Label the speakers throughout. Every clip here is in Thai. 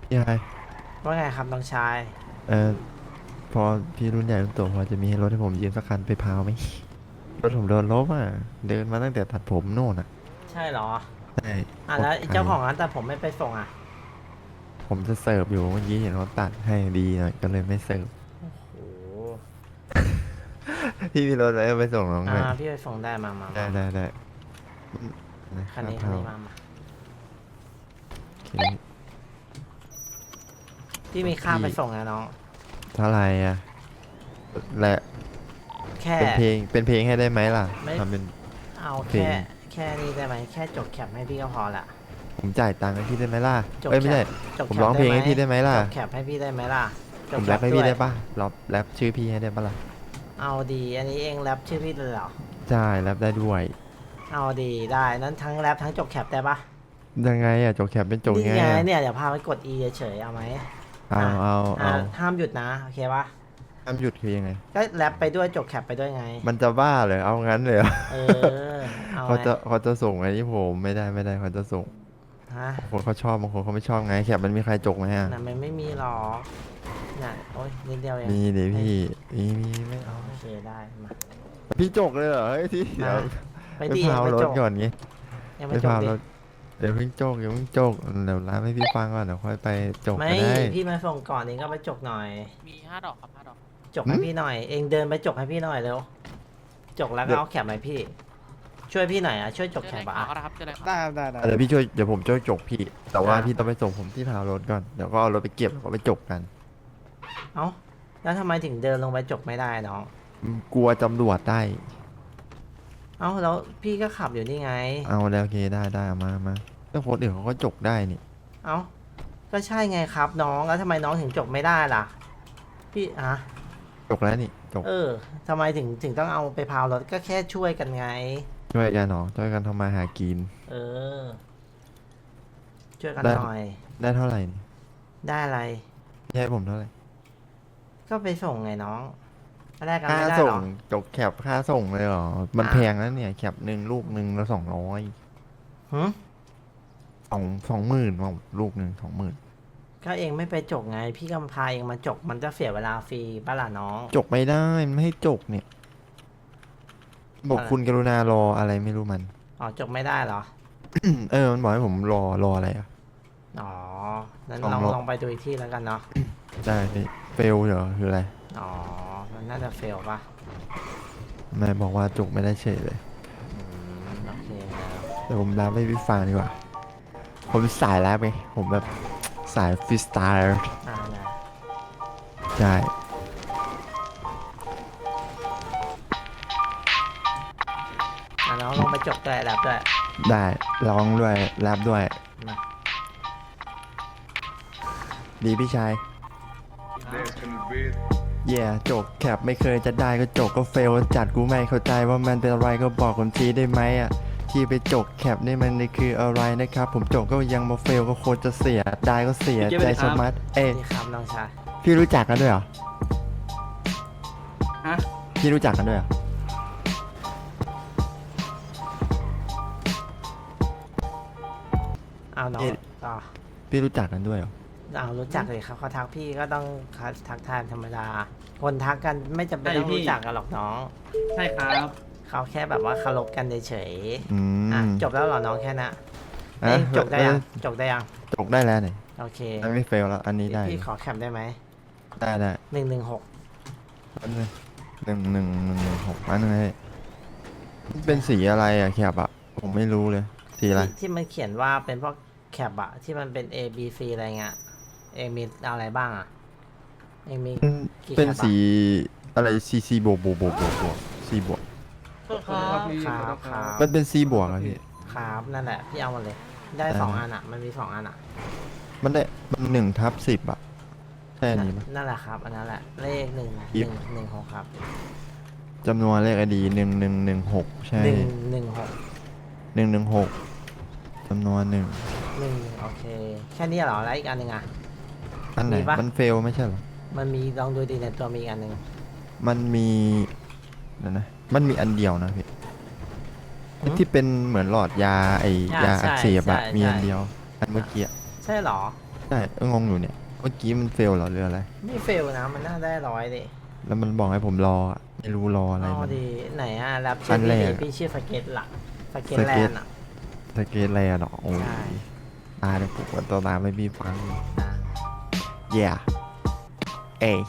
Speaker 1: ยาย
Speaker 2: ว่าไงครับน้องชาย
Speaker 1: เออพอพี่รุ่นใหญ่รุ่นโตพอจะมีรถให้ผมยืมสักคันไปพาวไหมรถผมโดนลบอ่ะเดินมาตั้งแต่ตัดผมโน่นอ่ะ
Speaker 2: ใช่เหรอ
Speaker 1: ใช่โค
Speaker 2: แล้ว
Speaker 1: ตรไกล
Speaker 2: เจ้าของร้านแต่ผมไม่ไปส่งอ่ะ
Speaker 1: ผมจะเสิร์ฟอยู่เมื่อกี้เห็นเขาตัดให้ดีหน่อยก็เลยไม่เสิร์ฟ
Speaker 2: โอ้โห
Speaker 1: พี่มีรถอะไรไปส่งน้องหน่อย
Speaker 2: พี่ไปส่งได้มา
Speaker 1: ได้
Speaker 2: มามา
Speaker 1: ได้ได้นะ
Speaker 2: คันนี้
Speaker 1: ค่าพาว
Speaker 2: มา
Speaker 1: โอเค
Speaker 2: พี่มีค่า
Speaker 1: พี่
Speaker 2: ไปส่งนะน้อง
Speaker 1: เท่าไหร่อ่ะและ
Speaker 2: แค่
Speaker 1: เป็นเพลงให้ได้ไหมล่ะ
Speaker 2: ไม่
Speaker 1: ทำเป็น
Speaker 2: เอา
Speaker 1: เพลง
Speaker 2: แค่นี้ได้ไหมแค่จบแคปให้พี่ก็พอละ
Speaker 1: ผมจ่ายตังค์ให้พี่ได้ไหมล่ะ
Speaker 2: จบแคป
Speaker 1: เอ้ยไม่ใช่
Speaker 2: จบ
Speaker 1: ผมร้องเพลง
Speaker 2: แคปได้ไหม
Speaker 1: ให้พี่ได้ไหมล่ะ
Speaker 2: จบแคปให้พี่ได้ไหมล่ะจ
Speaker 1: ผมแรปให้
Speaker 2: บแคปด้วย
Speaker 1: พี่ได้ป่ะแรปชื่อพี่ให้ได้ป่ะล่ะ
Speaker 2: เอาดีอันนี้เองแรปชื่อพี่เลยเหรอ
Speaker 1: ใช่แรปได้ด้วย
Speaker 2: เอาดีได้นั้นทั้งแรปทั้งจบแคปได้ปะ
Speaker 1: ยังไงอ่ะจกแคปเป็นจก
Speaker 2: นี่ไง
Speaker 1: ไงอ่ะ
Speaker 2: เนี่ยเดี๋ยวพาไปกด E เฉยๆเอาไหม
Speaker 1: เอา
Speaker 2: อ่ะ
Speaker 1: เอาเอา
Speaker 2: ห้ามหยุดนะโอเคปะ
Speaker 1: ห้ามหยุดคือยังไง
Speaker 2: ก็แรปไปด้วยจบแคปไปด้วยไง
Speaker 1: มันจะบ้าเลยเอางั้นเลยเหรอ
Speaker 2: เออเอา
Speaker 1: เขา
Speaker 2: ไง
Speaker 1: จะส่งไอ้ที่ผมไม่ได้เขาจะส่ง
Speaker 2: ฮะ
Speaker 1: บางคนเขาชอบบางคนเขาไม่ชอบไงแคปมันมีใครจกไหมอ่ะ
Speaker 2: น่ะมันไม่มีหรอกน่ะโอ้ยนิดเดียวเอง
Speaker 1: มีเดี๋ยว
Speaker 2: ไอ้
Speaker 1: พี่มีไม่เอา
Speaker 2: โอเคได้มา
Speaker 1: พี่จกเลยเหรอเฮ้ยที่เดี๋
Speaker 2: มา
Speaker 1: ยว
Speaker 2: ไป
Speaker 1: ไป
Speaker 2: ดี
Speaker 1: พาวร
Speaker 2: ยังไม่จบ
Speaker 1: ถก่อนงี้
Speaker 2: ยัง
Speaker 1: ไป
Speaker 2: ไม่จบดิ
Speaker 1: พาวรถเดี๋ยวเพิ่งจกเดี๋ยวร้านให้พี่ฟังก่อนเดี๋ยวค่อยไปจก
Speaker 2: ไม่
Speaker 1: ก็ได้
Speaker 2: พี่มาส่งก่อนเองก็ไปจบหน่อย
Speaker 3: มี5 ดอกครับ5 ดอก
Speaker 2: จบ
Speaker 1: หึ
Speaker 2: ให้พี่หน่อยเองเดินไปจบให้พี่หน่อยเร็วจบแล้วก็
Speaker 1: เดี๋ยว
Speaker 2: เอาแคปมาให้พี่ช่วยพี่หน่อยอ่ะช่วยจบ
Speaker 3: เจอ
Speaker 2: แค
Speaker 3: ใน
Speaker 2: ปอ่ะ
Speaker 3: ข่าวก็ได้ครับเจอในข่าว
Speaker 4: ได้ครับได้
Speaker 1: เดี๋ยวพี่ช่วยเดี๋ยวผมช่วยจกพี่แต่ว่าพี่ต้องไปส่งผมที่พาวรถก่อนเดี๋ยวก็เอารถไปเก็บแล้วก็ไปจกกัน
Speaker 2: เอ้าแล้วทำไมถึงเดินลงไปจบไม่ได้น้อง
Speaker 1: กลัวตำรวจได้
Speaker 2: เอ้าแล้วพี่ก็ขับอยู่นี่ไง
Speaker 1: เอาแล้วโอเคได้เอามาแล้วคนอื่นเขาก็จกได้นี่
Speaker 2: เอ้าก็ใช่ไงครับน้องแล้วทำไมน้องถึงจบไม่ได้ล่ะพี่อะ
Speaker 1: จกแล้วนี่จก
Speaker 2: ทำไมถึงต้องเอาไปพาวรถก็แค่ช่วยกันไง
Speaker 1: ช่วยกันหนอช่วยกันทำมาหากิน
Speaker 2: เออช่วยกัน
Speaker 1: ได้
Speaker 2: หน่อย
Speaker 1: ได้เท่าไหร่นี่
Speaker 2: ได้อะไร
Speaker 1: ให้ผมเท่าไหร่
Speaker 2: ก็ไปส่งไงน้องแลกกัน
Speaker 1: ค่า
Speaker 2: ไม่ได้
Speaker 1: ส่ง
Speaker 2: หรอ
Speaker 1: จกแคปค่าส่งเลยเหรอมัน
Speaker 2: อ่ะ
Speaker 1: แพงนะเนี่ยแคปหนึ่งลูกหนึ่งแล้ว200
Speaker 2: หืม
Speaker 1: 20,000ว่าลูกหนึ่ง20,000
Speaker 2: ก็เองไม่ไปจกไงพี่กำพาเองมาจกมันจะเสียเวลาฟรีป่ะล่ะน้อง
Speaker 1: จกไม่ได้มันไม่ให้จกเนี่ยบอก
Speaker 2: อะไร
Speaker 1: คุณกรุณารออะไรไม่รู้มัน
Speaker 2: อ๋อจกไม่ได้เหรอ
Speaker 1: มันบอกให้ผมรออะไรอ่ะ
Speaker 2: อ๋อนั้น
Speaker 1: ลองรอ
Speaker 2: ลองไปดูอีกที่แล้วกันเนาะ
Speaker 1: ได้เฟลเหรอคืออะไร
Speaker 2: อ๋อมันน่าจะเฟลป่ะ
Speaker 1: นายบอกว่าจกไม่ได้เฉยเลย
Speaker 2: โอเคครับ
Speaker 1: แต่ผมรับให้พี่ฟังดีกว่าผมสายแรปไงผมแบบสายฟรีสไตล์
Speaker 2: นะ
Speaker 1: ใช่
Speaker 2: น้องลองไปจกด้วยแลบด้วย
Speaker 1: ได้ร้องด้วยแรปด้วย
Speaker 2: มา
Speaker 1: ดีพี่ชายเย่จกแคปไม่เคยจะได้ก็จกก็เฟลจัดกูไม่เข้าใจว่ามันเป็นอะไรก็บอกผมทีได้ไหมอ่ะที่ไปจกแคปนี่มันคืออะไรนะครับผมจกก็ยังมาเฟลก็โคตรจะเสียได้ก็เสียใจสมัด
Speaker 2: ดีครับน้องชาย
Speaker 1: พี่รู้จักกันด้วยเหรอ
Speaker 4: ฮะ
Speaker 1: พี่รู้จักกันด้วยเหรอ
Speaker 2: เอาน้องต่อ
Speaker 1: พี่รู้จักกันด้วยเหรอ
Speaker 2: เอารู้จักเลยครับเขาทักพี่ก็ต้องทักทายธรรมดา คนทักกันไม่จำเป็นต้องรู้จักกันหรอกน้อง
Speaker 4: ใช่ครับ
Speaker 2: เขาแค่แบบว่าเคารพกันเฉย
Speaker 1: อื
Speaker 2: ๆอ่ะ
Speaker 1: ม
Speaker 2: จบแล้วเหรอน้องแค่นั้นเอ้ยจบได้ยังจบได้ยัง
Speaker 1: จกได้แล้วเนี่ย
Speaker 2: โอเค
Speaker 1: ไม่เฟลแล้วอันนี้ได้
Speaker 2: พี่ขอแคปได้ไหม
Speaker 1: ได้
Speaker 2: 116
Speaker 1: อันนึง11116อันนึงเลยเป็นสีอะไรอะแคปอะผมไม่รู้เลยสีอะไร
Speaker 2: ที่มันเขียนว่าเป็นพวกแคปอะที่มันเป็น A B C อะไรเงี้ยเองมีอะไรบ้างอะเองมีกี่แคป
Speaker 1: เป็น
Speaker 2: อะ
Speaker 1: สีอะไรซีบวกซีบวก
Speaker 2: ครับ
Speaker 1: มันเป็นซีบวกอะพี่
Speaker 2: ครับนั่นแหละพี่เอามาเลย ได้
Speaker 1: ได้
Speaker 2: 2 อันอะมันมี2 อันอะ
Speaker 1: มันได้มัน1/10อะใช่อันนี้ปะ
Speaker 2: นั่นแหละครับอันนั้นแหละเลขหนึ่ง
Speaker 1: ยิบ
Speaker 2: หนึ่งหกครับ
Speaker 1: จำนวนเลขอดี1116ใช่
Speaker 2: 116
Speaker 1: 116จำนวน
Speaker 2: โอเคแค่นี้เหรอแล้วอีกอันหนึ่งอะ
Speaker 1: อันไหน
Speaker 2: มีปะ
Speaker 1: มันเฟลไม่ใช่เหรอ
Speaker 2: มันมีลองดูดีในตัวมีอีกอันหนึ่ง
Speaker 1: มันมีเดี๋ยวนะมันมีอันเดียวนะพี่
Speaker 2: หืม
Speaker 1: ที่เป็นเหมือนหลอดยาไอยา
Speaker 2: ใช่
Speaker 1: อักเสบอะ
Speaker 2: ใช่
Speaker 1: มีอัน
Speaker 2: ใช่
Speaker 1: เดียวอันเมื่อกี้อะ
Speaker 2: ใช่เหรอ
Speaker 1: ใช่งงอยู่เนี่ยเมื่อกี้มันเฟลเหรอหรืออะไร
Speaker 2: ไม่เฟลนะมันน่าได้100ดิ
Speaker 1: แล้วมันบอกให้ผมรออะไม่รู้รออะไร
Speaker 2: อ๋อ
Speaker 1: มัน
Speaker 2: ดีไหนอะแรป
Speaker 1: อั
Speaker 2: ชื่อน
Speaker 1: แร
Speaker 2: พี่
Speaker 1: ก
Speaker 2: ดิพี่ชื่อสเก็ตหลักสเก็ต
Speaker 1: ส
Speaker 2: แล
Speaker 1: เก็ต
Speaker 2: นด์อะ
Speaker 1: สเกตแลนด์เหรอโอ้ย
Speaker 2: ใช่
Speaker 1: ตายแล้วผมว่าตัวตามไม่มีฟัง yeah เอย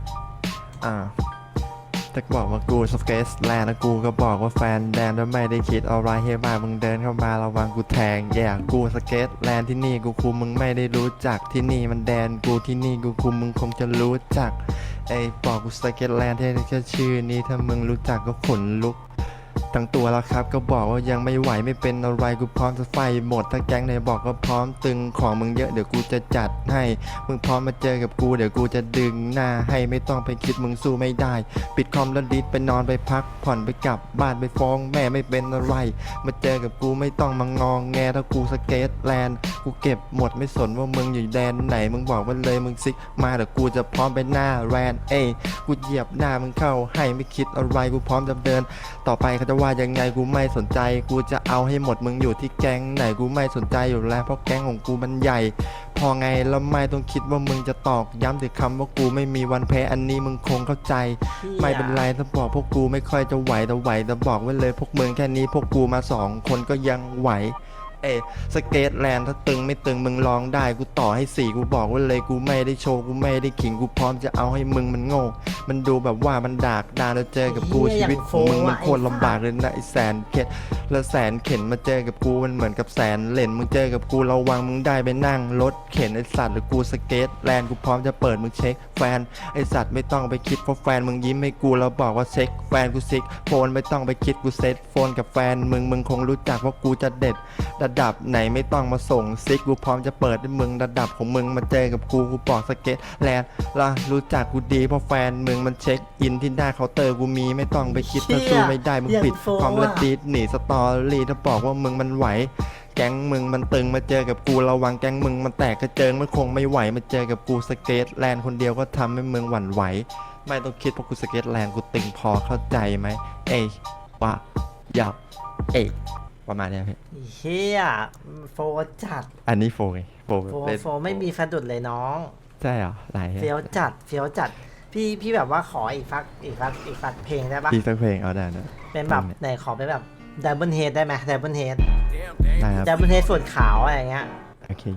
Speaker 1: ถ้าบอกว่ากูสเกตแลนด์นะกูก็บอกว่าแฟนแดนแล้วไม่ได้คิดอะไรให้บ้ามึงเดินเข้ามาระวังกูแทง yeah กูสเกตแลนด์ที่นี่กูคุมมึงไม่ได้รู้จักที่นี่มันแดนกูที่นี่กูคุมมึงคงจะรู้จักไอ้บอกกูสเกตแลนด์แค่ชื่อนี้ถ้ามึงรู้จักก็ขนลุกทั้งตัวแล้วครับก็บอกว่ายังไม่ไหวไม่เป็นอะไรกูพร้อมจะไฟหมดถ้าแก๊งไหนบอกก็พร้อมตึงของมึงเยอะเดี๋ยวกูจะจัดให้มึงพร้อมมาเจอกับกูเดี๋ยวกูจะดึงหน้าให้ไม่ต้องไปคิดมึงสู้ไม่ได้ปิดคอมแล้วดิสไปนอนไปพักผ่อนไปกลับบ้านไปฟ้องแม่ไม่เป็นอะไรมาเจอกับกูไม่ต้องมางองแงถ้ากูสเกตแลนด์กูเก็บหมดไม่สนว่ามึงอยู่แดนไหนมึงบอกมาเลยมึงซิกมาเดี๋ยวกูจะพร้อมไปหน้าแรนเอ้ยกูเหยียบหน้ามึงเข้าให้ไม่คิดอะไรกูพร้อมจะเดินต่อไปเขาจะว่ายังไงกูไม่สนใจกูจะเอาให้หมดมึงอยู่ที่แก๊งไหนกูไม่สนใจอยู่แล้วเพราะแก๊งของกูมันใหญ่พอไงแล้วไม่ต้องคิดว่ามึงจะตอกย้ำถึงคำว่ากูไม่มีวันแพ้อันนี้มึงคงเข้าใจไม่เป็นไรถ้าบอกพวกกูไม่ค่อยจะไหวแต่บอกไว้เลยพวกมึงแค่นี้พวกกูมา2 คนก็ยังไหวเอ้สเกตแลนด์ถ้าตึงไม่ตึงมึงลองได้กูต่อให้4กูบอกไว้เลยกูไม่ได้โชว์กูไม่ได้ขิงกูพร้อมจะเอาให้มึงมันโง่มันดูแบบว่ามันดากดาแล้วเจอกับกูชีวิตของมึงมันโคตรลำบากเลยนะไอ้แสนเข็ดแล้วแสนเข็นมาเจอกับกูมันเหมือนกับแสนเหรนมึงเจอกับกูระวังมึงได้ไปนั่งรถเข็นไอ้สัตว์หรือกูสเกตแลนด์กูพร้อมจะเปิดมึงเช็คแฟนไอ้สัตว์ไม่ต้องไปคิดเพราะแฟนมึงยิ้มให้กูแล้วบอกว่าเช็คแฟนกูซิกโฟนไม่ต้องไปคิดกูเซ็ตโฟนกับแฟนมึงคงรู้จักว่ากูจะเด็ดระดับไหนไม่ต้องมาส่งซิกกูพร้อมจะเปิดให้มึงระดับของมึงมาเจอกับกูบอกสเก็ตแลนด์ละรู้จักกูดีเพราะแฟนมึงมันเช็คอินที่หน้าเคาน์เตอร์กูมีไม่ต้องไปคิดถ้าสู้ไม่ได้มึงปิดความละดีหนีสตอรี่ถ้าบอกว่ามึงมันไหวแก๊งมึงมันตึงมาเจอกับกูระวังแก๊งมึงมันแตกกระเจิงมันคงไม่ไหวมาเจอกับกูสเก็ตแลนด์คนเดียวก็ทำให้มึงหวั่นไหวไม่ต้องคิดเพราะกูสเก็ตแลนด์กูตึงพอเข้าใจไหมเอ้ยวะยับเอ้ยประมาณเนี้ยพี่
Speaker 2: เฮียโฟจัด
Speaker 1: อันนี้โฟไงโฟ
Speaker 2: โฟ
Speaker 1: เล่น
Speaker 2: โฟไม่มีสะดุดเลยน้อง
Speaker 1: ใช่เหรอไหน
Speaker 2: เฟี้ยวจัดเฟี้ยวจัดพี่แบบว่าขออีกฟักเพลงได้ปะ
Speaker 1: พี่สักเพลงเอาได้นะ
Speaker 2: เป็นแบบไหนขอเป็นแบบดับเบิลเฮดได้ไหมดับเบิลเฮด
Speaker 1: ได้ครับ
Speaker 2: ดับเบิลเฮดส่วนขาวอะไรอย่างเงี้ย
Speaker 1: โอเค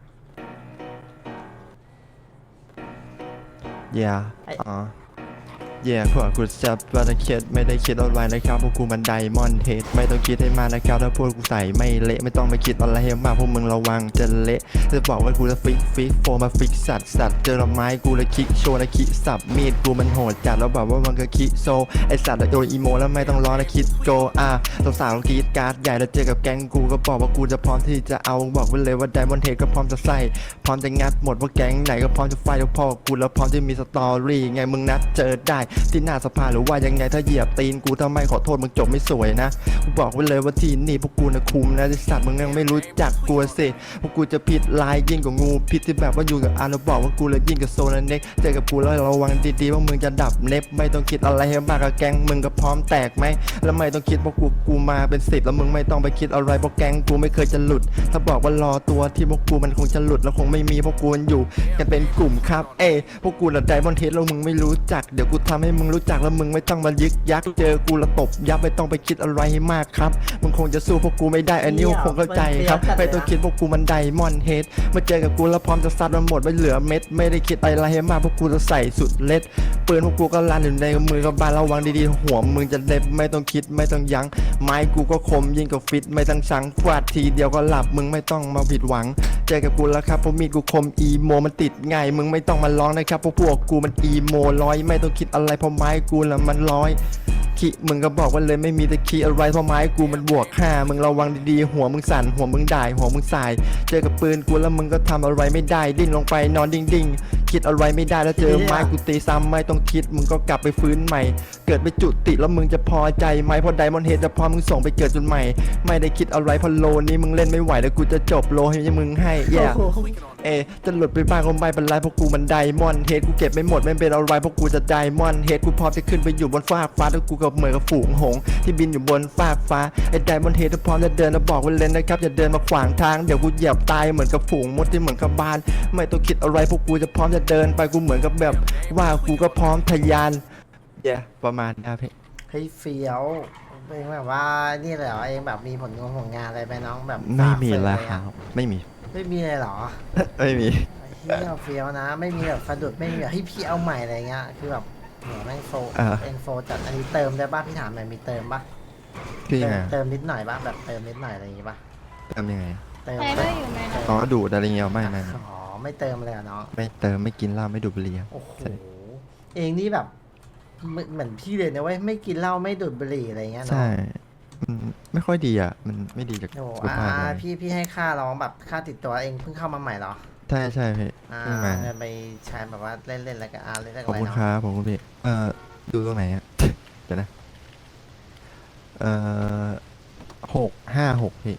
Speaker 1: yeah อ๋อ yeah พวกกูจับว่าจะคิดไม่ได้คิดอะไรนะครับพวกกูมันไดมอนด์เฮดไม่ต้องคิดให้มากนะครับถ้าพวกกูใส่ไม่เละไม่ต้องไปคิดอะไรให้มากพวกมึงระวังจะเละจะบอกว่ากูจะฟิกโฟมาฟิกสัตว์เจอไม้กูเลยคิกโชว์นะคิสับมีดกูมันโหดจัดแล้วแบบว่ามันก็คิโซไอสัตว์โดนอีโมแล้วไม่ต้องรอนะคิดโกสาวๆกรีดการ์ดใหญ่แล้วเจอกับแก๊งกูก็บอกว่ากูจะพร้อมที่จะเอาบอกไว้เลยว่าไดมอนด์เฮดก็พร้อมจะใส่พร้อมจะงัดหมดว่าแก๊งไหนก็พร้อมจะไฟแล้วพ่อกูแล้วพร้อมจะมีสตอรี่ไงมึงนัดเจอได้ที่หน้าสภาหรือว่ายังไงถ้าเหยียบตีนกูถ้าไม่ขอโทษมึงจบไม่สวยนะกูบอกไว้เลยว่าที่นี่พวกกูนะคุมนะไอ้สัตว์มึงยังไม่รู้จักกูสิพวกกูจะผิดลายยิ่งกว่างูพิษที่แบบว่าอยู่กับอาร์แล้วบอกว่ากูเลยยิ่งกับโซนเน็กเจอกับกูแล้วระวังดีๆว่ามึงจะดับเน็บไม่ต้องคิดอะไรให้มากกับแก๊งมึงก็พร้อมแตกไหมแล้วไม่ต้องคิดว่ากูมาเป็น10แล้วมึงไม่ต้องไปคิดอะไรเพราะแก๊งกูไม่เคยจะหลุดถ้าบอกว่ารอตัวที่พวกกูมันคงจะหลุดแล้วคงไม่มีพวกกูอยู่กันเป็นกลุ่มครับพวกกูน่ะไดมอนด์เฮดแล้วมึงไม่รู้จักเดี๋ยวกูทำให้มึงรู้จักแล้วมึงไม่ต้องมายึกยักเจอกูแล้วตบยับไม่ต้องไปคิดอะไรให้มากครับมึงคงจะสู้พวกกูไม่ได้อันนี้คงเข้าใจครับไม่ต้องคิดพวกกูมันไดมอนด์เฮดมาเจอกับกูแล้วพร้อมจะซัดมันหมดไม่เหลือเม็ดไม่ได้คิดอะไรให้มากพวกกูจะใส่สุดเล็ดปืนพวกกูก็ลั่นอยู่ในมือกับบานระวังดีๆหัวมึงจะเด็บไม่ต้องคิดไม่ต้องยั้งไม้กูก็คมยิ่งกว่าฟิตไม่ต้องชังฟาดทีเดียวก็หลับมึงไม่ต้องมาผิดหวังเจอกับกูแล้วครับเพราะมีดกูคมอีโมมันติดง่ายมึงไม่ต้องมาร้องนะครับเพราะพวกกูมันอีโมร้อยไม่ต้องคิดอะไรเพราะไม้กูแล้วมันร้อยขี้มึงก็บอกว่าเลยไม่มีตะขี้อะไรเพราะไม้กูมันบวก5มึงระวังดีๆหัวมึงสั่นหัวมึงด่ายหัวมึงสายเจอกับปืนกูแล้วมึงก็ทำอะไรไม่ได้ดิ้นลงไปนอนดิ่งๆคิดอะไรไม่ได้แล้วเจอไม้กูตีซ้ำไม่ต้องคิดมึงก็กลับไปฟื้นใหม่เกิดไปจุติแล้วมึงจะพอใจไหมเพราะไดมอนด์เฮดจะพอมึงส่งไปเกิดจนใหม่ไม่ได้คิดอะไรเพราะโลนี้มึงเล่นไม่ไหวแล้วกูจะจบโลให้มึงให้แย่ จะหลุดไปบ้างก็ไม่เป็นไรเพราะกูมันไดมอนด์เฮดกูเก็บไม่หมดไม่เป็นอะไรเพราะกูจะไดมอนด์เฮดกูพร้อมจะขึ้นไปอยู่บนฟากฟ้าแล้วกูกับเหมือนกับฝูงหงส์ที่บินอยู่บนฟากฟ้าไอ้ไดมอนด์เฮดพร้อมจะเดินแล้วบอกไว้เลยนะครับอย่าเดินมาขวางทางเดี๋ยวกูเหยียบตายเหมือนกับฝูงมดที่เหมือนกับบ้านไม่ต้องคิดอะไรเพราะกูจะพร้อมจะเดินไปกูเหมือนกับแบบว่ากูก็พร้อมทะยานประมาณนี้พี่
Speaker 2: เฮ้ยเฟี้ยวเองแบบว่านี่เลยเหรอเองแบบมีผลงานอะไรไปน้องแบบ
Speaker 1: ไม่มี
Speaker 2: ฝากเฟ
Speaker 1: แล้ว
Speaker 2: ย
Speaker 1: ค
Speaker 2: อะ
Speaker 1: รับไม่มี
Speaker 2: ไม่มีเลยเหรอ
Speaker 1: ไม่มี
Speaker 2: เฮียเฟี้ยวนะ ไม่มีแบบสะดุดไม่มีแบบให้พี่เอาใหม่อะไรเงี้ยคือแบบโหแม่งโฟเอ็นโฟจัดอันนี้เติมได้ป่ะพี่ถามหน่อยมีเติมป่ะ
Speaker 1: พี่ไง
Speaker 2: เติมนิดหน่อยป่ะแบบเติมนิดหน่อยอะไรอย่างงี้ป่ะ
Speaker 1: ทำยังไง
Speaker 2: เติม
Speaker 3: ใครก็อยู่ในนั้น
Speaker 1: อ๋อดูดอะไรเงี้ยไม่
Speaker 2: อ๋อไม่เติมเลยเหรอน้อง
Speaker 1: ไม่เติมไม่กินเหล้าไม่ดูดบุหรี่ครับ
Speaker 2: โอ้โห
Speaker 1: ใช่
Speaker 2: เองนี่แบบเหมือนพี่เลยนะเว้ยไม่กินเหล้าไม่ดูดบุหรี่อะไรเงี้ยเนาะ
Speaker 1: ใช่มันไม่ค่อยดีอ่ะมันไม่ดีจาก
Speaker 2: โอ้
Speaker 1: สุขภาพเลย
Speaker 2: พี่ให้ค่าร้องแบบค่าติดตัวเองเพิ่งเข้ามาใหม่เหรอ
Speaker 1: ใช่พี่เพิ่งมา
Speaker 2: ไปใช้แบบว่าเล่นแล้วก็เล่นอะไร
Speaker 1: ขอบคุณ
Speaker 2: เนาะ
Speaker 1: ครับผมคุณพี่ดูตรงไหนอ่ะ เดี๋ยวนะเอ่อ656พี่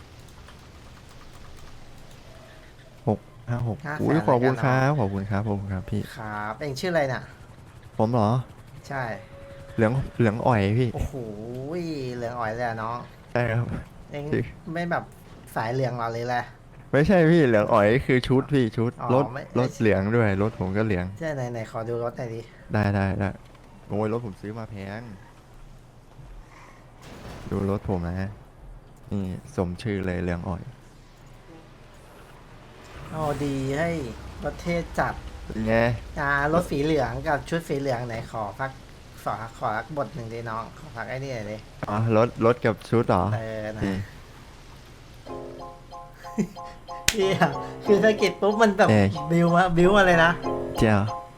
Speaker 1: 656อุ้ยขอบคุณครับขอบคุณครับพี่
Speaker 2: ครับเองชื่ออะไรน่ะ
Speaker 1: ผมเหรอ
Speaker 2: ใช่
Speaker 1: เหลืองอ่อยพี่
Speaker 2: โอ้โหเหลืองอ่อยเลยอะน้อง
Speaker 1: ใช่ครับ
Speaker 2: เอง
Speaker 1: จริง
Speaker 2: ไม่แบบสายเหลืองเราเลยแหละ
Speaker 1: ไม่ใช่พี่เหลืองอ่อยคือชุดพี่ชุด
Speaker 2: อ๋อ
Speaker 1: รถ
Speaker 2: ไม่
Speaker 1: รถเหลืองด้วยรถผมก็เหลือง
Speaker 2: ใช่ไหนขอดูรถหน่อยดิ
Speaker 1: ได้โอ้ยรถผมซื้อมาแพงดูรถผมนะนี่สมชื่อเลยเหลืองอ่อย
Speaker 2: โอ้ดีให้รถเทศจัด
Speaker 1: เป็นไง
Speaker 2: รถสีเหลืองกับชุดสีเหลืองไหนขอรักบทหนึ่งดิน้องขอพักไอ้นี่หน่อยดิ
Speaker 1: อ๋อรถกับชุดเหรอ
Speaker 2: นะ
Speaker 1: นี่
Speaker 2: เฮียคือสะกิดปุ๊บมันแบบ
Speaker 1: เอ๊ะ
Speaker 2: บิวมาเลยนะ
Speaker 1: เจ้า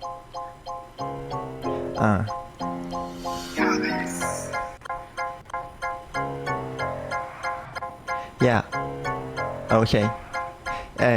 Speaker 1: อ่าyeah โอเคเอ้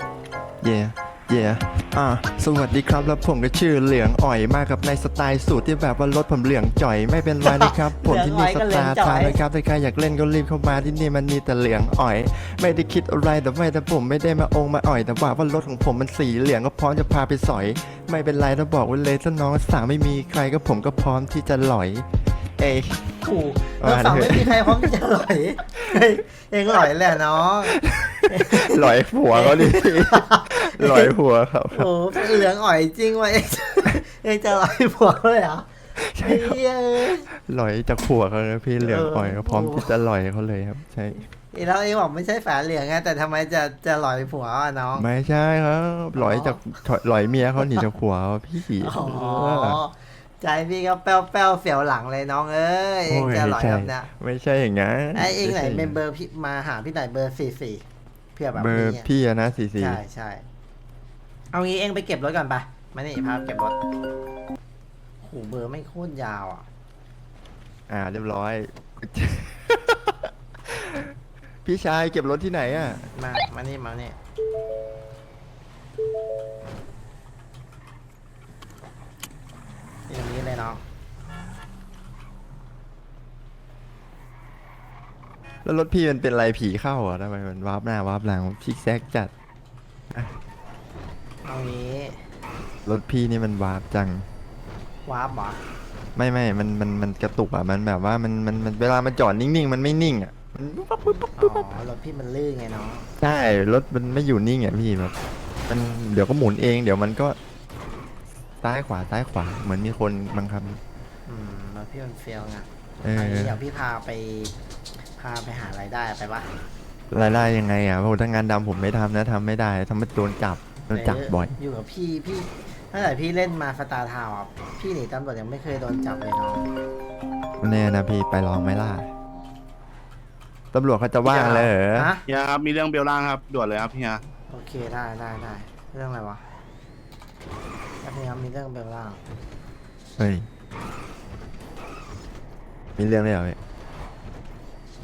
Speaker 1: สวัสดีครับแล้วผมก็ชื่อเหลืองอ่อยมากกับในสไตล์สูตรที่แบบว่ารถผมเหลืองจ่อยไม่เป็นไรนะครับ ผมที่นี่สตาร์ทาวน์นะครับถ้าใครอยากเล่นก็รีบเข้ามาที่นี่มันมีแต่เหลืองอ่อย ไม่ได้คิดอะไรแต่ผมไม่ได้มามาอ่อย แต่ว่ารถของผมมันสีเหลืองก็พร้อมจะพาไปสอย ไม่เป็นไรถ้าบอกไว้เลยถ้าน้องสาวไม่มีใครก็ผมก็พร้อมที่จะหลอย เอ้ย
Speaker 2: ขู่เราฝั่งไม่มีใครพร้อมที่จะหลอยเฮ้ยเองหลอยแหละน้อง
Speaker 1: หลอยผัวเขาดิ หลอยผัวครับ
Speaker 2: โอ้เหลืองอ่อยจริงว่ะเองจะหลอยผัวเลยเหรอใช่
Speaker 1: หลอยจากผัวเขาเลยพี่เหลืองอ่อยก็พร้อม
Speaker 2: โอ้
Speaker 1: ที่จะหลอยเขาเลยครับ ใช่
Speaker 2: แล้วเองบอกไม่ใช่ฝาเหลืองไงแต่ทำไมจะหลอยผัวอ่ะน้อง
Speaker 1: ไม่ใช่ครับหลอยจากหลอยเมียเขาหนีจากผัวพี่
Speaker 2: อ๋อใจพี่ก็แป้วเสียวหลังเลยน้องเอ้ยเองจะหลอยแบบเนี้ย
Speaker 1: ไม่ใช่อย่างงั้น
Speaker 2: ไอเองไหนเป็นเบอร์พี่มาหาพี่ไหนเบอร์44เพื่อแบบ
Speaker 1: เบอร์
Speaker 2: นี้
Speaker 1: พี่อะนะ44
Speaker 2: ใช่เอางี้เองไปเก็บรถก่อนไปมานี่พาเก็บรถโหเบอร์ไม่โคตรยาวอ่ะ
Speaker 1: เรียบร้อย พี่ชายเก็บรถที่ไหนอ่ะ
Speaker 2: มานี่ตรงนี้เลยน้อง
Speaker 1: แล้วรถพี่มันเป็นไรผีเข้าอ่ะทำไมมันวาร์ปหน้าวาร์ปหลังพิกแซกจัด
Speaker 2: เอางี้
Speaker 1: รถพี่นี่มันวาร์ปจัง
Speaker 2: วาร์ปเหรอ
Speaker 1: ไม่มันกระตุกอ่ะมันแบบว่ามันเวลามันจอดนิ่งๆมันไม่นิ่งอ่ะมันปุ๊บ
Speaker 2: อ๋อรถพี่มันลื่นไงน้อง
Speaker 1: ใช่รถมันไม่อยู่นิ่งอ่ะพี่แบบมันเดี๋ยวก็หมุนเองเดี๋ยวมันก็ซ้ายขวาเหมือนมีคนบังคับ
Speaker 2: รถพี่มันเฟี้ยวไง
Speaker 1: เออ
Speaker 2: เอางี้เดี๋ยวพี่พาไปหารายได้ไปปะ
Speaker 1: รายได้ยังไงอ่ะเพราะถ้างานดำผมไม่ทำนะทำไม่ได้ทำไม่โดนจับบ่อย
Speaker 2: อยู่กับพี่ตั้งแต่พี่เล่นมาสตาร์ทาวน์อ่ะพี่หนีตำรวจยังไม่เคยโดนจับเลยน้อง
Speaker 1: แน่นะพี่ไปลองไหมล่ะตำรวจเขาจะว่างเลยเหรอ
Speaker 2: ฮะ
Speaker 4: เฮียครับมีเรื่องเบลล่างครับด่วนเลยครับเฮีย
Speaker 2: โอเคได้เรื่องอะไรวะพยายามมีเรื่องเบลล่าง
Speaker 1: เฮ้ยมีเรื่องอะไรเหรอพี่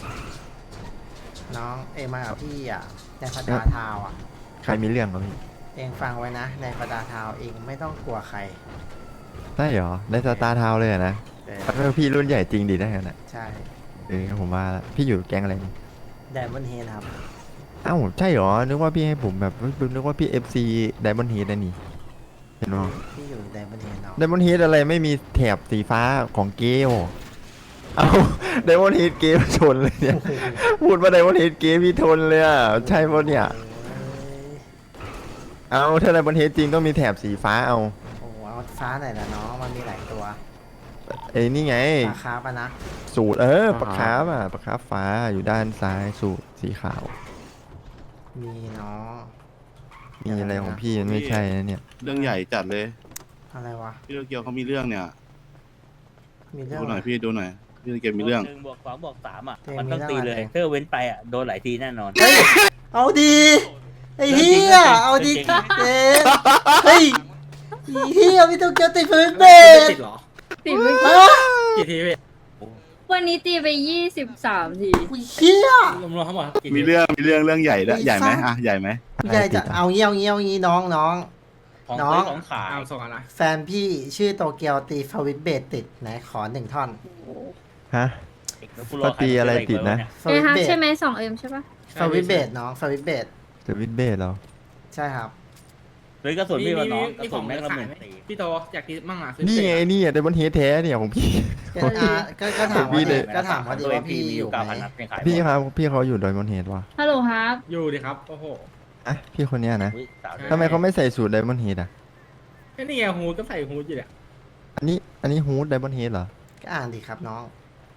Speaker 2: น้องเอมากับพี่อ่ะในสตาร์ทาวน์อ่ะ
Speaker 1: ใครมีเรื่องเหรอพี่
Speaker 2: เองฟังไว้นะ ในประดาทาวเองไม่ต้องกลัวใคร
Speaker 1: ใช่เหรอในสตาร์ทาวน์เลยอะนะ
Speaker 2: เออ
Speaker 1: เออพี่รุ่นใหญ่จริงดีนะงั้นนะ
Speaker 2: ใช่
Speaker 1: ผมว่าละพี่อยู่แก๊งอะไรนี่
Speaker 2: ไดมอนด์เฮดครับ
Speaker 1: อ้าวใช่เหรอนึกว่าพี่ให้ผมแบบนึกว่าพี่ FC Diamond Head นะนี่เห็นไหม
Speaker 2: พี่อยู่ไดมอนด์เฮดเนาะ
Speaker 1: Diamond Head อะไรไม่มีแถบสีฟ้าของเกลเอา Diamond Head เกลชนเลยเนี่ย พูดว่า Diamond Head เกลพี่ทนเลยอ่ะใช่ปะเนี่ย เอาถ้า Diamond Head จริงต้องมีแถบสีฟ้าเอา
Speaker 2: โอ้โหเอาฟ้าไหนล่ะน้องมันมีหลายตัว
Speaker 1: ไอ้นี่ไง
Speaker 2: ราคาปะนะ
Speaker 1: สูตรปากคาร์ฟอ่ะปากคาร์ฟฟ้าอยู่ด้านซ้ายสูตรสีขาว
Speaker 2: มีเนาะ
Speaker 1: มีอะไรของพี่มันไม่ใช่นะเนี่ย
Speaker 4: เรื่องใหญ่จัดเลย
Speaker 2: อะไรวะ
Speaker 4: พี่โตเกียวเขามีเรื่องเนี่ย
Speaker 2: มีเรื่อง
Speaker 4: ดูหน่อย
Speaker 2: อะไร
Speaker 4: พี่ดูหน่อยพี่โตเกียวมีเรื่อง
Speaker 3: 1+2+3อ่ะ
Speaker 2: เกม
Speaker 3: มันต้องตีเลย
Speaker 2: มีเรื่องอะไร
Speaker 3: เธอเว้นไปอ่ะ โดนหลายทีแน่นอน
Speaker 2: เฮ้ย เอาดีไอ้เฮียเอาดี
Speaker 3: เรื่องจริง
Speaker 2: เจ๊เฮ้ยไอ้เฮียพี่ต้องเกี่ยวติดพื้นเบส
Speaker 5: ติดเหรอ
Speaker 6: ตีไป
Speaker 2: ฮะ
Speaker 5: กี่ทีพี่
Speaker 6: วันนี้ตีไป23 ที
Speaker 2: ไอ้เฮีย
Speaker 5: รวมๆทั้งหมดกี่ที
Speaker 4: มีเรื่องใหญ่ด้วย
Speaker 2: มี
Speaker 4: ใหญ่ไหม
Speaker 2: ฟ้า
Speaker 4: อ่ะใหญ่ไหม
Speaker 2: ผู้ใหญ่จะเอางี้น้อง
Speaker 3: ของ
Speaker 2: น้อง
Speaker 3: ซื้อของขาย
Speaker 5: เอาส่งอะไร
Speaker 2: แฟนพี่ชื่อโตเกียวตีฟวิตเบสติดไหนขอหนึ่งท่อน
Speaker 1: ฮะ
Speaker 3: แล้วกู
Speaker 1: ปกติอะไรติดนะ
Speaker 2: ฟ
Speaker 6: เอ
Speaker 2: วิต
Speaker 6: ฮัก
Speaker 2: เบส
Speaker 6: ใช่ไหม2M ใช่ปะ
Speaker 2: ฟวิตเบสน้องฟวิตเบส
Speaker 1: จะวิดเบสเหรอ
Speaker 2: ใช่ครับ
Speaker 3: หรือกระสุนพี่วะน้องกระ
Speaker 5: มีข
Speaker 3: สุ
Speaker 5: อน ง
Speaker 3: แม่ง
Speaker 5: จะ
Speaker 3: ละห
Speaker 5: ขาย
Speaker 3: มื่น
Speaker 5: ไหม
Speaker 3: สี่
Speaker 5: พี่โตอยากกินมั่งอ่ะซื้อ
Speaker 1: นี่ไง
Speaker 5: เสร็จ
Speaker 1: นี่อะDiamond Head แท้เนี่ยของพี่
Speaker 2: ก็ถาม
Speaker 1: พี่
Speaker 2: ว่า
Speaker 1: เลย
Speaker 2: ก็ถามว่าดีว่าพี่
Speaker 3: มี
Speaker 2: อ
Speaker 3: อยู่
Speaker 2: ยู่ไหม
Speaker 3: 9,000นัดยังขาย
Speaker 1: พี่ครับพี่เขาอยู่ Diamond Head วะ
Speaker 6: ฮัลโหลครับ
Speaker 5: อยู่ดิครับ โอ้โห
Speaker 1: อ่ะพี่คนเนี้ยนะ
Speaker 3: อุ๊ยสาว
Speaker 1: ทำไมเขาไม่ใส่สูตร Diamond Head อ่ะ
Speaker 5: แค่นี่ไงฮูดก็ใส่ฮูดอยู่เนี่ย
Speaker 1: อันนี้ฮูด Diamond Head เหรอ
Speaker 2: ก็อ่านดีครับน้อง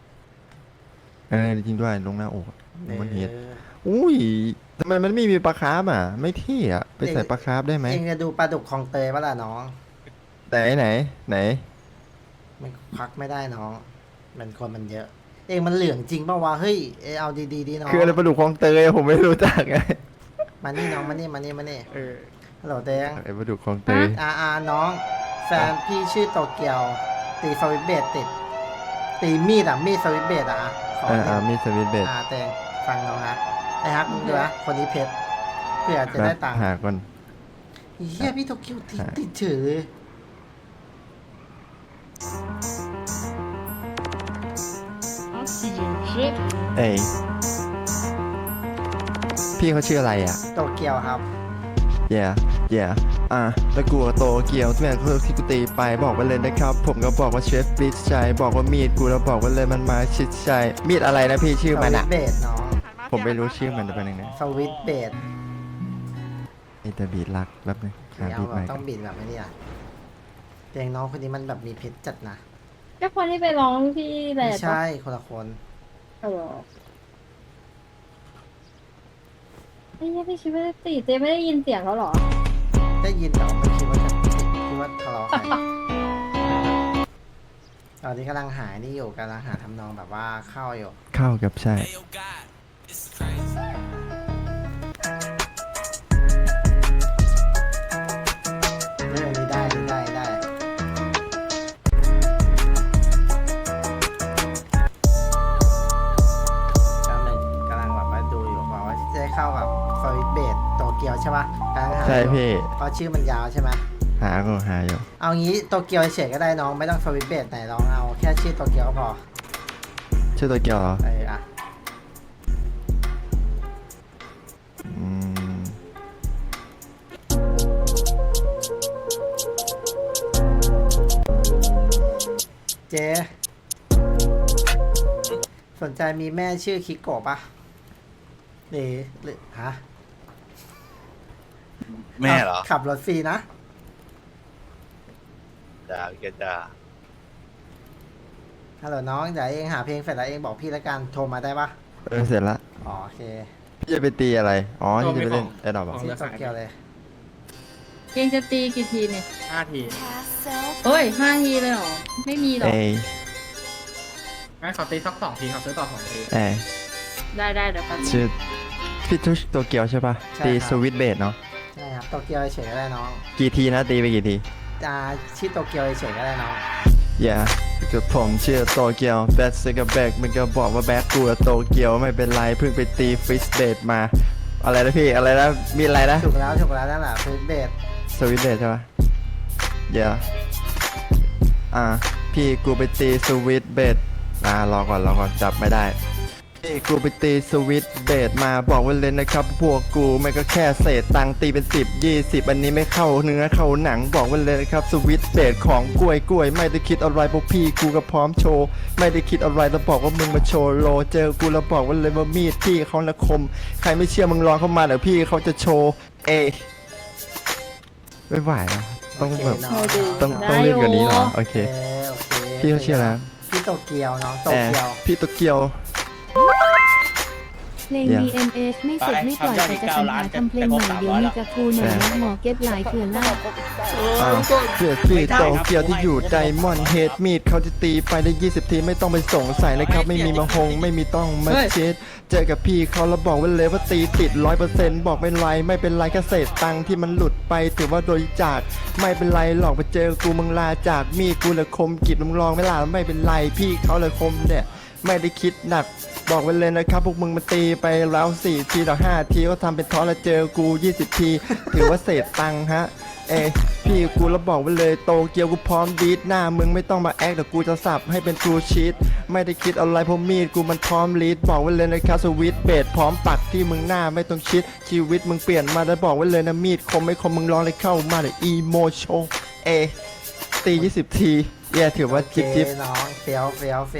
Speaker 1: จริงด้วยลงหน้าอก Diamond Head
Speaker 2: เออ
Speaker 1: อุ้ยทำไมมันไม่มีปลาคาร์ฟอ่ะ ไม่เท่อะไปใส่ปลาคาร์ฟได้ไหม
Speaker 2: เองจะดูปลาดุกคลองเตยปะล่ะน้อง
Speaker 1: ไหน
Speaker 2: มันควักไม่ได้น้อง มันคนมันเยอะ เองมันเหลืองจริงปะวะ เฮ้ย เอาดีๆดีน้อง
Speaker 1: คืออะไรปลาดุกคลองเตยผมไม่รู้จักไง
Speaker 2: มานี่น้องมานี่ฮัลโหลเตง
Speaker 1: ไอ้ปลาดุกคลองเตย
Speaker 2: น้อง แฟนพี่ชื่อโตเกียว ตีฟวิตเบสติด ตีมีดฟวิตเบสขอหนึ่ง
Speaker 1: มีสวิตเบส
Speaker 2: เตงฟังน้องนะไอ้ฮักมึงดูนะคนนี้เพชรเพื่อจะได้ตังค์
Speaker 1: หาก่อน
Speaker 2: เฮียพี่โตเกียวติดเฉยเลย
Speaker 1: เอ้ยพี่เขาชื่ออะไรอ่ะ
Speaker 2: โตเกียวครับ
Speaker 1: yeah ตะกัวโตเกียวที่แม่งที่กูตีไปบอกไปเลยนะครับ ผมก็บอกว่าเชฟฟิชชัยบอกว่ามีดกูแล้วบอกว่าเลยมันมาชิดชัยมีดอะไรนะพี่ชื่อมันอ่ะ
Speaker 2: เบสน้อง
Speaker 1: ผมไม่รู้ชื่อมันจะเป็นยังไง
Speaker 2: สวิตเบส
Speaker 1: ไอ้แต่บีดรักแป๊บนึงหา
Speaker 2: เอา
Speaker 1: บีด
Speaker 2: แบ
Speaker 1: ใหม่
Speaker 2: บ
Speaker 1: ก่
Speaker 2: ต้
Speaker 1: อ
Speaker 2: อน งบิดแบบนี้อ่ะเตียงน้องคนนี้มันแบบมีเพชรจัดนะ
Speaker 6: ก็คนที่ไปร้องที่แหล
Speaker 2: ไม่
Speaker 6: ด
Speaker 2: ใช่คนละคน
Speaker 6: ฮัลโหลไอ้เนี่ยพี่คิดว่าตีเจไม่ได้ยินเสียงเขาเหรอ
Speaker 2: ได้ยินแต่ว่าไม่คิดว่าจะคิดว่าทะเลาะกันตอนนี้กำลังหานี่อยู่กำลังหาทำนองแบบว่าเข้าอยู่
Speaker 1: เข้ากับใช่
Speaker 2: เรื่องนี้ได้กำลังแบบว่าดูอยู่บอกว่าจะได้เข้ากับฟวิตเบสโตเกียวใช่ปะกำลังหา
Speaker 1: ใช่
Speaker 2: อยู่
Speaker 1: พี่
Speaker 2: เพราะชื่อมันยาวใช่ไหม
Speaker 1: หาอยู่
Speaker 2: เอางี้โตเกียวเฉยๆก็ได้น้องไม่ต้องฟวิตเบสไหนลองเอาแค่ชื่อโตเกียวก็พอ
Speaker 1: ชื่อตัวเกียวเหรอ
Speaker 2: อ่ะ
Speaker 1: อืม
Speaker 2: เจ๊สนใจมีแม่ชื่อคิโกะปะหรือฮะ
Speaker 4: แม่เหรอ
Speaker 2: ขับรถฟรีนะ
Speaker 4: จ้าแกจ้า
Speaker 2: ฮัลโหลน้องเดี๋ยวเองหาเพลงเสร็จแล้วเองบอกพี่แล้วกันโทรมาได้ปะ
Speaker 1: เสร็จละ
Speaker 2: อ๋อโอเค
Speaker 1: พี่จะไปตีอะไรอ๋อพี่จะไปเล่นแอดดอปอ่ะ
Speaker 2: ชื่อโตเกียวเลย
Speaker 6: เกงจะตีกี่ทีเนี่ย
Speaker 5: 5 ที
Speaker 6: เฮ้ย5 ทีเลยเหรอ ไม่มีหรอก
Speaker 5: งั้นขอตีสัก2 ทีครับซื้อต่อ2 ที
Speaker 6: ได้เดี๋ยวแป๊บนึง
Speaker 1: ชื่อพี่ทุชตัวเกียวใช่ปะตีสวิตเบสเนาะ
Speaker 2: ใช่ครับโตเกียวเฉยๆก็ได้น้อง
Speaker 1: กี่ทีนะตีไปกี่ที
Speaker 2: ชื่อโตเกียวเฉยๆก็ได้น้อง
Speaker 1: yeah กับผมชื่อโตเกียวแบทซิกกับแบกมึงก็บอกว่าแบกกูอะโตเกียวไม่เป็นไรเพิ่งไปตีฟิสเบสมาอะไรนะพี่อะไรนะมีอะไรนะ
Speaker 2: ถูกแล้วนั่นแหละคือเบส
Speaker 1: สวิตเดทใช่ปะเดี๋ยวพี่กูไปตีสวิตเบทรอก่อนจับไม่ได้พี่กูไปตีสวิตเบทมาบอกไว้เลยนะครับพวกกูไม่ก็แค่เศษตังค์ตีเป็น10 20อันนี้ไม่เข้าเนื้อเข้าหนังบอกไว้เลยนะครับสวิตเบทของกล้วยไม่ได้คิดอะไรพวกพี่กูก็พร้อมโชว์ไม่ได้คิดอะไรแล้วบอกว่ามึงมาโชว์โลเจอกูแล้วบอกไว้เลยว่ามีดพี่เขาละคมใครไม่เชื่อมึงลองเข้ามาเดี๋ยวพี่เขาจะโชว์ไม่ไหวแล้วต้องแบบ
Speaker 2: โอเค
Speaker 1: ต้องเล่นกว่านี้เหรอโอเค
Speaker 2: โอเค
Speaker 1: พี่เขาชื่ออะไร
Speaker 2: พี่โตเกียวน้องโตเกียว
Speaker 1: พี่โตเกียว
Speaker 7: เพลง DMH ไม่เสร็จไม่ปล่อยแต่จะสรรหาทำเพลงใหม่เดี๋ยวมีกับกูหน่อยนะหมอเก็ตหลายเถื่อนล่า
Speaker 1: เพื่อพี่โตเกียวที่อยู่ไดมอนด์เฮดมีดเขาจะตีไปได้20 ทีไม่ต้องไปสงสัยนะครับไม่มีมาหงไม่มีต้องมาเช็ดเจอกับพี่เขาแล้วบอกไว้เลยว่าตีติด100%บอกไม่เป็นไรแค่เศษตังค์ที่มันหลุดไปถือว่าโดยจากไม่เป็นไรหรอกไปเจอกูมึงลาจากมีดกูเลยคมกิบมึงลองไม่ลาไม่เป็นไรพี่เขาเลยคมเนี่ยไม่ได้คิดหนักบอกไว้เลยนะครับพวกมึงมาตีไปแล้ว4 ทีต่อ5 ทีก็ทำเป็นท้อแล้วเจอกู20 ทีถือว่าเศษตังค์ฮะพี่กูแล้วบอกไว้เลยโตเกียวกูพร้อมดีดหน้ามึงไม่ต้องมาแอคแต่กูจะสับให้เป็นทรูชีตไม่ได้คิดอะไรเพราะมีดกูมันพร้อมลีดบอกไว้เลยนะครับสวิตเบสพร้อมปักที่มึงหน้าไม่ต้องคิดชีวิตมึงเปลี่ยนมาแล้วบอกไว้เลยนะมีดคมไม่คมมึงลองเลยเข้ามาเลยอีโมโชตี20 ทีถือว่าจิ๊บ
Speaker 2: โอเคน้องเฟี้ยว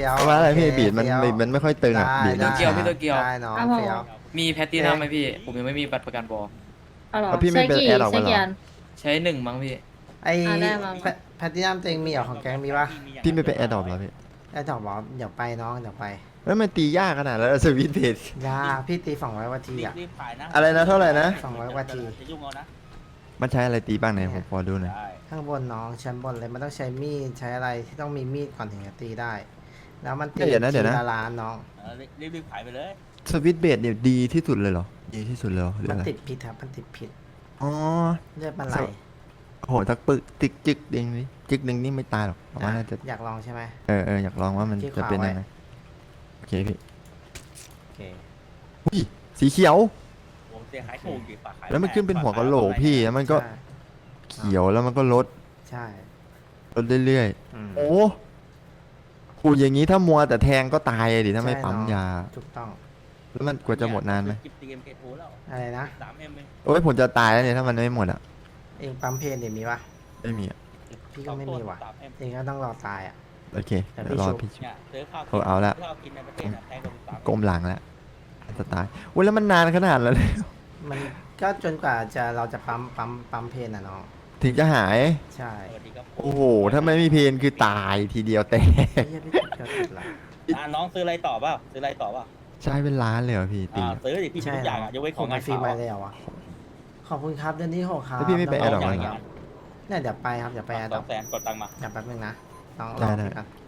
Speaker 1: ว่าอะไรพี่
Speaker 2: โเค
Speaker 1: บีดมัน
Speaker 2: เฟี้ยว
Speaker 1: มันไม่ค่อยตึงอ่ะ
Speaker 2: ได้
Speaker 1: บีดมัน
Speaker 2: ได้
Speaker 8: เกียวพี่ตัวเกียว
Speaker 2: ได้น้องเฟี้ยว
Speaker 8: มีแพตตินัมไหมพี่ ผมยังไม่มีบัตรประกันบอ
Speaker 6: เอาเหรอ
Speaker 1: แล้วพี่ไม่เป็น
Speaker 6: ใช้
Speaker 1: แอร์หรอก
Speaker 6: ใช้
Speaker 1: วะเหรอ
Speaker 6: กี่อัน
Speaker 8: ใช้1มั้งพี่
Speaker 2: ไอ้
Speaker 6: ได้มา
Speaker 2: แพทตินัมตัวเองมีเหรอของแกงมีปะ
Speaker 1: พี่ไม่เป็นแอร์ดรอปเหรอพี่
Speaker 2: ไอ้ดอกบอกเดี๋ยวไปน้องเดี๋ยวไป
Speaker 1: แล้วมันตียากขนาดแล้วสวิตเบส
Speaker 2: ยาพี่ตี200 นาทีอ่ะ
Speaker 3: รีบขายนะ
Speaker 1: อะไรนะเท่าไหร่นะ
Speaker 2: 200 นาที
Speaker 3: จะยุ่งเอานะ
Speaker 1: มันใช้อะไรตีบ้างไหนผมขอดูหน่อย
Speaker 3: ได้
Speaker 2: ข้างบนน้องชั้นบนเลยมันต้องใช้มีดใช้อะไรที่ต้องมีมีดก่อนถึงจะตีได้ แล้วมันตี
Speaker 1: เดี๋ยวนะ
Speaker 2: ทีละล้านน้อง
Speaker 3: รีบขายไปเลย
Speaker 1: สวิตเบสเนี่ยดีที่สุดเลยเหรอดีที่สุดเลยเหรอหรือ
Speaker 2: มัน
Speaker 1: อะไร
Speaker 2: ติดพิษครับมันติดพิษ
Speaker 1: อ๋อ
Speaker 2: เลือดมันไหล
Speaker 1: โอ้โหทักปึกจึกจึกเด้งนี่จึกหนึ่งนี่ไม่ตายหรอกแต่ว่าน่าจะ
Speaker 2: อยากลองใช่ไหม
Speaker 1: อยากลองว่ามัน
Speaker 2: ที่
Speaker 1: จะ
Speaker 2: ขวา
Speaker 1: เป็น
Speaker 2: ไว้
Speaker 1: ยังไงโอเคพี่
Speaker 2: โอเค
Speaker 1: อุ้ยสีเขียว
Speaker 3: ผมเสียหายถูกดิฝากขาย
Speaker 1: แล้วมันขึ้นเป็นหัวกะโหลกพี่แล้วมันก็
Speaker 2: ใช่
Speaker 1: เขียวแล้วมันก็ลด
Speaker 2: ใช่
Speaker 1: เรื่อย
Speaker 2: อืม
Speaker 1: ๆโอ้กูอย่างนี้ถ้ามัวแต่แทงก็ตายดิถ้าไม่
Speaker 2: ใช่
Speaker 1: ปั๊ม
Speaker 2: น้อง
Speaker 1: ยา
Speaker 2: ถูกต้อง
Speaker 1: แล้วมันกว่าจะหมดนานไหม
Speaker 3: จิบตีเอ็มเคทูแล้ว
Speaker 2: อะไรนะ
Speaker 3: 3M เอง
Speaker 1: โอ้ยผมจะตายแล้วเนี่ยถ้ามันไม่หมดอ่ะ
Speaker 2: เองปั๊มเพนเดี๋ยวมีปะ
Speaker 1: ไม่มีอ่ะ
Speaker 2: พี่ก็ไม่มีว่ะ
Speaker 3: 3M
Speaker 2: เองก็ต้องรอตายอ่ะ
Speaker 1: โอเค
Speaker 2: แต่
Speaker 1: เดี๋ยวรอ
Speaker 2: พี่
Speaker 1: พี่
Speaker 2: ชุบ
Speaker 3: เนี่ยซื้อข้าว
Speaker 1: โอ้เอาละ
Speaker 3: ข้าวกินในประเทศอะแพงกว่า3M
Speaker 1: ก้มหลังแล้วจะตายโอ้ยแล้วมันนานขนาดแล้วเลย
Speaker 2: มันก็จนกว่าเราจะปั๊มเพนอ่ะน้อง
Speaker 1: ถึงจะหาย
Speaker 2: ใช่
Speaker 3: สวัสดีครับ
Speaker 1: โอ้โห ถ้าไม่มีเพนคือตายทีเดียวแต่
Speaker 2: ไอ้เหี้ยพี่ติดก็ติดละ
Speaker 3: น้องซื้ออะไรต่อเปล่าซื้ออะไรต่อเปล่า
Speaker 1: ใช้เป็นล้านเลยเหรอพี่ตี
Speaker 3: ซื้อดิพี่มีทุกอย่างอะยกเว้นของงาน
Speaker 2: ฟรี
Speaker 3: ขาว
Speaker 2: มา
Speaker 3: อะ
Speaker 2: แล้วอ่ะขอบคุณครับเดือนที่6ครับ
Speaker 1: แล้วพี่ไม่ไปแอร์ดรอป
Speaker 2: น้
Speaker 1: มั
Speaker 2: ง
Speaker 1: น
Speaker 2: ๆ
Speaker 1: เหรอ
Speaker 2: เนี่ยเดี๋ยวไปครับเดี๋ยวไปแอร์ดรอป
Speaker 3: 200,000กดตังค์มา
Speaker 2: เดี๋ยวแป๊บนึงนะน้อง
Speaker 1: ได้
Speaker 2: รอ
Speaker 1: ได้
Speaker 2: พี่ก่อน